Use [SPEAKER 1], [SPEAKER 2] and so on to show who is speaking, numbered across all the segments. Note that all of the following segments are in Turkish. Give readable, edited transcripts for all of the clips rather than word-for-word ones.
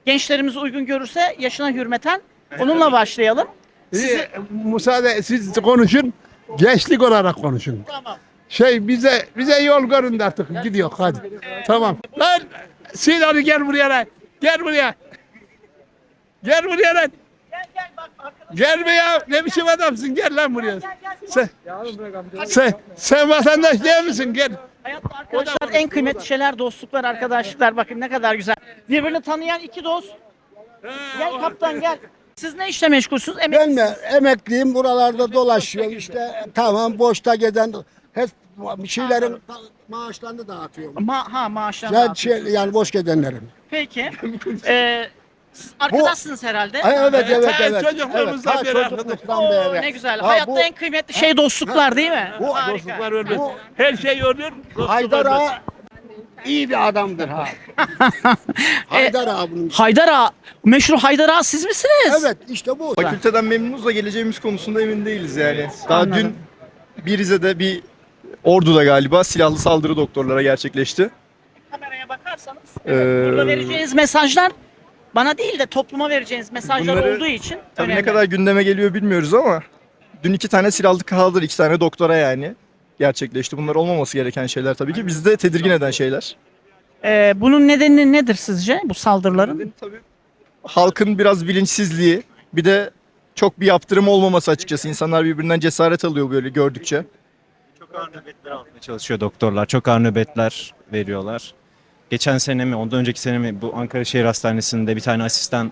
[SPEAKER 1] Gençlerimiz uygun görürse yaşına hürmeten onunla başlayalım.
[SPEAKER 2] Müsaade siz konuşun. Gençlik olarak konuşun.
[SPEAKER 1] Tamam.
[SPEAKER 2] Bize yol görün de artık gidiyor hadi. Tamam. Lan Sinan'ı gel buraya lan. Gel buraya. Gel buraya lan.
[SPEAKER 1] Gel bak arkadaş.
[SPEAKER 2] Gel be ya. Ne biçim adamsın? Gel lan buraya.
[SPEAKER 1] Gel.
[SPEAKER 2] Sen vatandaş değil misin? Gel.
[SPEAKER 1] Hayatta arkadaşlar en kıymetli şeyler dostluklar, arkadaşlıklar. Bakın ne kadar güzel. Birbirini tanıyan iki dost. Gel kaptan gel. Siz ne işle meşgulsünüz?
[SPEAKER 3] Ben mi emekliyim, buralarda dolaşıyorum işte, tamam, boşta gezen hep bir şeylerin maaşlarını dağıtıyorum.
[SPEAKER 1] Maaşlar.
[SPEAKER 3] Yani boş gezenlerin.
[SPEAKER 1] Peki. Siz arkadaşsınız herhalde.
[SPEAKER 3] Evet.
[SPEAKER 2] Çocukluğumuzdan
[SPEAKER 3] Ta
[SPEAKER 2] beri
[SPEAKER 3] çocukluktan
[SPEAKER 1] Oo,
[SPEAKER 3] beri.
[SPEAKER 1] ne güzel.
[SPEAKER 3] Ha,
[SPEAKER 1] Hayatta
[SPEAKER 3] bu
[SPEAKER 1] en kıymetli şey dostluklar değil mi?
[SPEAKER 3] Bu
[SPEAKER 1] Harika.
[SPEAKER 2] dostluklar ölmez.
[SPEAKER 3] Bu-
[SPEAKER 2] Her şey ölür. dostluk
[SPEAKER 3] Haydar
[SPEAKER 2] ölmez.
[SPEAKER 3] Ağa iyi bir adamdır ha. Haydar Ağa bunun.
[SPEAKER 1] Haydar Ağa. Meşhur Haydar Ağa siz misiniz?
[SPEAKER 3] Evet, işte bu.
[SPEAKER 4] Fakülteden memnunuz da geleceğimiz konusunda emin değiliz yani. Daha dün bir Rize'de bir Ordu'da galiba silahlı saldırı doktorlara gerçekleşti.
[SPEAKER 1] Kameraya bakarsanız burada
[SPEAKER 4] Ee,
[SPEAKER 1] vereceğiniz mesajlar bana değil de topluma vereceğiniz mesajlar
[SPEAKER 4] Bunları
[SPEAKER 1] olduğu için
[SPEAKER 4] Tabii
[SPEAKER 1] önemli.
[SPEAKER 4] ne kadar gündeme geliyor bilmiyoruz ama dün 2 tane silahlı saldırı, 2 tane doktora yani gerçekleşti. Bunlar olmaması gereken şeyler tabii ki. Bizi de tedirgin eden şeyler.
[SPEAKER 1] Bunun nedeni nedir sizce bu saldırıların?
[SPEAKER 4] Tabii halkın biraz bilinçsizliği, bir de çok bir yaptırım olmaması açıkçası. İnsanlar birbirinden cesaret alıyor böyle gördükçe.
[SPEAKER 5] Çok ağır nöbetler almaya çalışıyor doktorlar. Çok ağır nöbetler veriyorlar. Geçen sene mi, ondan önceki sene mi bu Ankara Şehir Hastanesi'nde bir tane asistan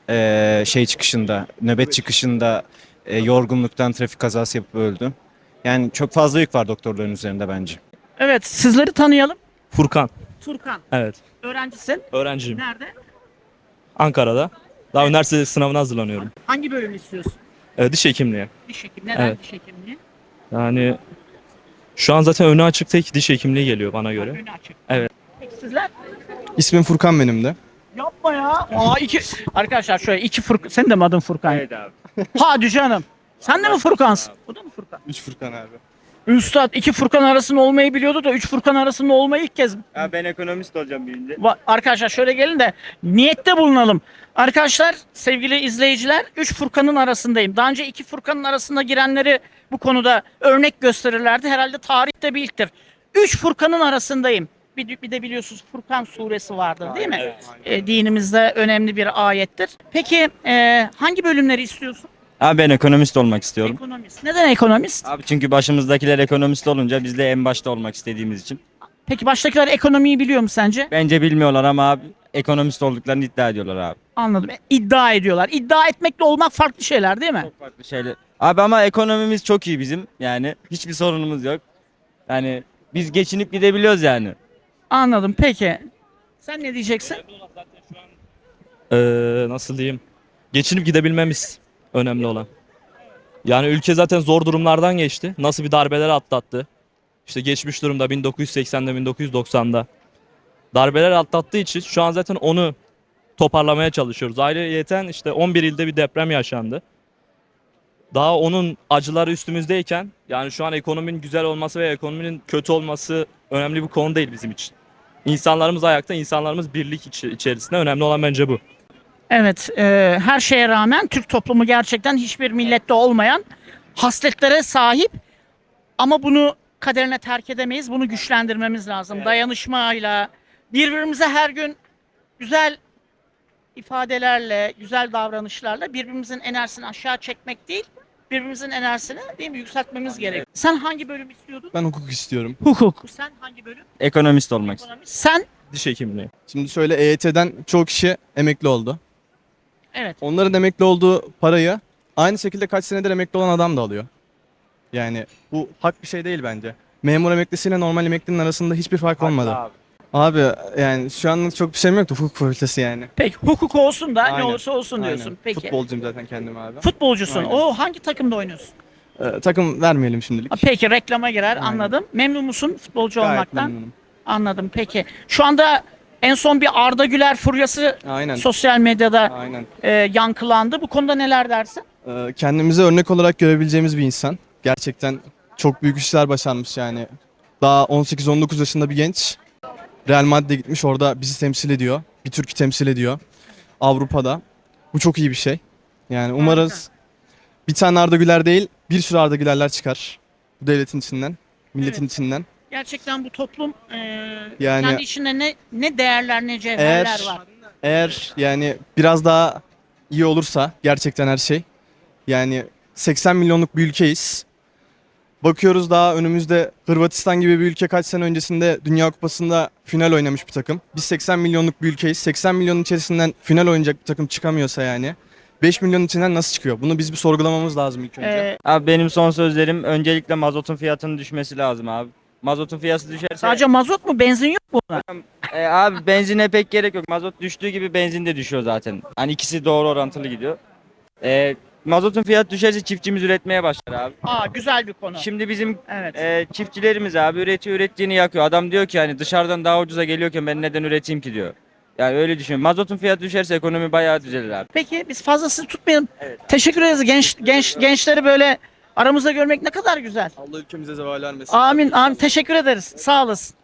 [SPEAKER 5] nöbet çıkışında yorgunluktan trafik kazası yapıp öldü. Yani çok fazla yük var doktorların üzerinde bence.
[SPEAKER 1] Evet, sizleri tanıyalım.
[SPEAKER 6] Furkan.
[SPEAKER 1] Turkan,
[SPEAKER 6] Evet.
[SPEAKER 1] öğrencisin.
[SPEAKER 6] Öğrenciyim.
[SPEAKER 1] Nerede?
[SPEAKER 6] Ankara'da. Daha üniversite sınavına hazırlanıyorum.
[SPEAKER 1] Hangi bölüm istiyorsun?
[SPEAKER 6] Diş hekimliği.
[SPEAKER 1] Diş hekimi. Neden
[SPEAKER 6] Evet.
[SPEAKER 1] diş hekimliği?
[SPEAKER 6] Yani şu an zaten önü açık tek diş hekimliği geliyor bana göre.
[SPEAKER 1] Önü açık.
[SPEAKER 6] Evet.
[SPEAKER 1] Peki sizler?
[SPEAKER 4] İsmim Furkan benim de.
[SPEAKER 1] Yapma ya. Arkadaşlar şöyle iki Furkan. Senin de mi adın Furkan? Evet abi. Hadi canım. Sen de mi Furkansın? Bu da mı Furkan?
[SPEAKER 4] 3 Furkan abi.
[SPEAKER 1] Üstad iki Furkan arasında olmayı biliyordu da üç Furkan arasında olmayı ilk kez.
[SPEAKER 5] Ya ben ekonomist olacağım büyüyünce.
[SPEAKER 1] Arkadaşlar şöyle gelin de niyette bulunalım. Arkadaşlar, sevgili izleyiciler, üç Furkan'ın arasındayım. Daha önce iki Furkan'ın arasında girenleri bu konuda örnek gösterirlerdi. Herhalde tarihte bir ilktir. Üç Furkan'ın arasındayım. Bir de biliyorsunuz Furkan suresi vardır değil mi? Dinimizde önemli bir ayettir. Peki hangi bölümleri istiyorsun?
[SPEAKER 5] Abi ben ekonomist olmak istiyorum.
[SPEAKER 1] Ekonomist. Neden ekonomist?
[SPEAKER 5] Abi çünkü başımızdakiler ekonomist olunca biz de en başta olmak istediğimiz için.
[SPEAKER 1] Peki baştakiler ekonomiyi biliyor mu sence?
[SPEAKER 5] Bence bilmiyorlar ama abi ekonomist olduklarını iddia ediyorlar abi.
[SPEAKER 1] Anladım. İddia ediyorlar. İddia etmekle olmak farklı şeyler değil mi?
[SPEAKER 5] Çok farklı şeyler. Abi ama ekonomimiz çok iyi bizim. Yani hiçbir sorunumuz yok. Yani biz geçinip gidebiliyoruz yani.
[SPEAKER 1] Anladım. Peki. Sen ne diyeceksin?
[SPEAKER 6] Nasıl diyeyim? Geçinip gidebilmemiz önemli olan. Yani ülke zaten zor durumlardan geçti. Nasıl bir darbeler atlattı. İşte geçmiş durumda 1980'de 1990'da. Darbeler atlattığı için şu an zaten onu toparlamaya çalışıyoruz. Ayrıyeten işte 11 ilde bir deprem yaşandı. Daha onun acıları üstümüzdeyken yani şu an ekonominin güzel olması ve ekonominin kötü olması önemli bir konu değil bizim için. İnsanlarımız ayakta, insanlarımız birlik içerisinde. Önemli olan bence bu.
[SPEAKER 1] Evet, her şeye rağmen Türk toplumu gerçekten hiçbir millette olmayan hasletlere sahip. Ama bunu kaderine terk edemeyiz. Bunu güçlendirmemiz lazım. Dayanışmayla, birbirimize her gün güzel ifadelerle, güzel davranışlarla birbirimizin enerjisini aşağı çekmek değil, birbirimizin enerjisini değil mi yükseltmemiz gerek. Sen hangi bölüm istiyordun?
[SPEAKER 4] Ben hukuk istiyorum.
[SPEAKER 1] Hukuk. Sen hangi bölüm?
[SPEAKER 5] Ekonomist olmak istiyorum.
[SPEAKER 1] Ekonomi. Sen?
[SPEAKER 6] Diş hekimliği.
[SPEAKER 4] Şimdi şöyle EYT'den çoğu kişi emekli oldu.
[SPEAKER 1] Evet.
[SPEAKER 4] Onların emekli olduğu parayı aynı şekilde kaç senedir emekli olan adam da alıyor. Yani bu hak bir şey değil bence. Memur emeklisiyle normal emeklinin arasında hiçbir fark olmadı. Abi yani şu anlık çok bir şeyim yoktu hukuk fakültesi yani.
[SPEAKER 1] Peki hukuk olsun da ne
[SPEAKER 4] Aynen.
[SPEAKER 1] olursa olsun diyorsun.
[SPEAKER 4] Aynen.
[SPEAKER 1] Peki.
[SPEAKER 4] Futbolcuyum zaten kendim abi.
[SPEAKER 1] Futbolcusun.
[SPEAKER 4] Aynen.
[SPEAKER 1] O hangi takımda oynuyorsun?
[SPEAKER 4] Takım vermeyelim şimdilik.
[SPEAKER 1] Peki reklama girer
[SPEAKER 4] Aynen.
[SPEAKER 1] anladım. Memnun musun futbolcu
[SPEAKER 4] Gayet
[SPEAKER 1] olmaktan?
[SPEAKER 4] memnunum.
[SPEAKER 1] Anladım peki. Şu anda en son bir Arda Güler furyası
[SPEAKER 4] Aynen.
[SPEAKER 1] sosyal medyada
[SPEAKER 4] Aynen.
[SPEAKER 1] yankılandı. Bu konuda neler dersin?
[SPEAKER 4] Kendimize örnek olarak görebileceğimiz bir insan. Gerçekten çok büyük işler başarmış yani. Daha 18-19 yaşında bir genç. Real Madrid'e gitmiş, orada bizi temsil ediyor. Bir Türk'ü temsil ediyor. Avrupa'da. Bu çok iyi bir şey. Yani umarız bir tane Arda Güler değil, bir sürü Arda Gülerler çıkar. Bu devletin içinden, milletin içinden.
[SPEAKER 1] Gerçekten bu toplum
[SPEAKER 4] Yani-
[SPEAKER 1] kendi içinde ne değerler ne cevherler
[SPEAKER 4] Eğer-
[SPEAKER 1] var.
[SPEAKER 4] Eğer yani biraz daha iyi olursa gerçekten her şey. Yani 80 milyonluk bir ülkeyiz. Bakıyoruz daha önümüzde Hırvatistan gibi bir ülke kaç sene öncesinde Dünya Kupası'nda final oynamış bir takım. Biz 80 milyonluk bir ülkeyiz. 80 milyonun içerisinden final oynayacak bir takım çıkamıyorsa yani 5 milyonun içinden nasıl çıkıyor? Bunu biz bir sorgulamamız lazım ilk önce.
[SPEAKER 7] Abi benim son sözlerim öncelikle mazotun fiyatının düşmesi lazım abi. Mazotun fiyatı düşerse
[SPEAKER 1] Sadece mazot mu, benzin yok mu buna?
[SPEAKER 7] abi benzine pek gerek yok. Mazot düştüğü gibi benzin de düşüyor zaten. Hani ikisi doğru orantılı gidiyor. Mazotun fiyatı düşerse çiftçimiz üretmeye başlar abi.
[SPEAKER 1] Güzel bir konu.
[SPEAKER 7] Şimdi bizim
[SPEAKER 1] Evet.
[SPEAKER 7] çiftçilerimiz abi üretiyor, ürettiğini yakıyor. Adam diyor ki hani dışarıdan daha ucuza geliyorken ben neden üreteyim ki diyor. Yani öyle düşünüyorum. Mazotun fiyatı düşerse ekonomi bayağı düzelir abi.
[SPEAKER 1] Peki biz fazlasını tutmayalım.
[SPEAKER 7] Evet.
[SPEAKER 1] Teşekkür ederiz gençleri böyle aramızda görmek ne kadar güzel.
[SPEAKER 4] Allah ülkemize zeval vermesin.
[SPEAKER 1] Amin amin, teşekkür ederiz. Sağ olasın.